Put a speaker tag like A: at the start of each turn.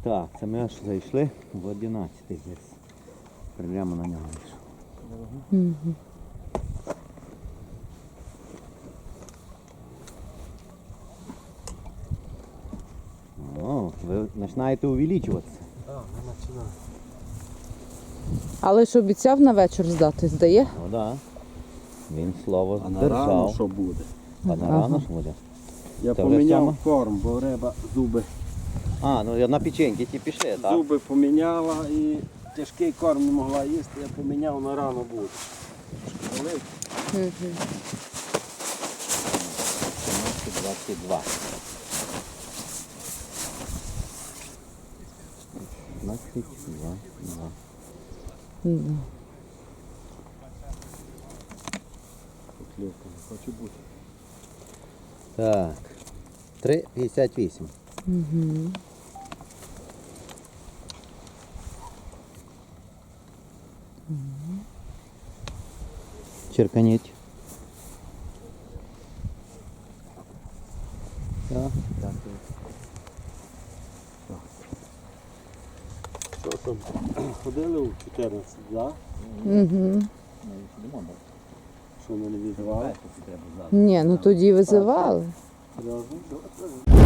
A: Так, це ми аж зайшли в 11-й десь. Прямо на нього вийшов.
B: Угу.
A: О, ви починаєте увеличуватися.
C: Так, не починаю.
B: Але ж обіцяв на вечір здати, здає?
A: Ну так. Да. Він слово
C: А на рано
A: здержав.
C: що буде?
A: А на рано що буде?
C: Я
A: Це вже
C: поміняв
A: саме?
C: корм, бо риба зуби.
A: А, ну на печеньки ті пішли, так?
C: Зуби поміняла і тяжкий корм не могла їсти, я поміняв на рано буде. Трошки великий.
B: Угу.
A: 22. 22.
C: Поклівка не хоче бути.
A: Так. 3,58.
B: Угу.
A: Черканіть. Так, так.
C: Що там? Ходили у 14, так?
B: Угу.
C: Що ми не відзивали?
B: Ні, ну тоді визивали.
C: Серйозно?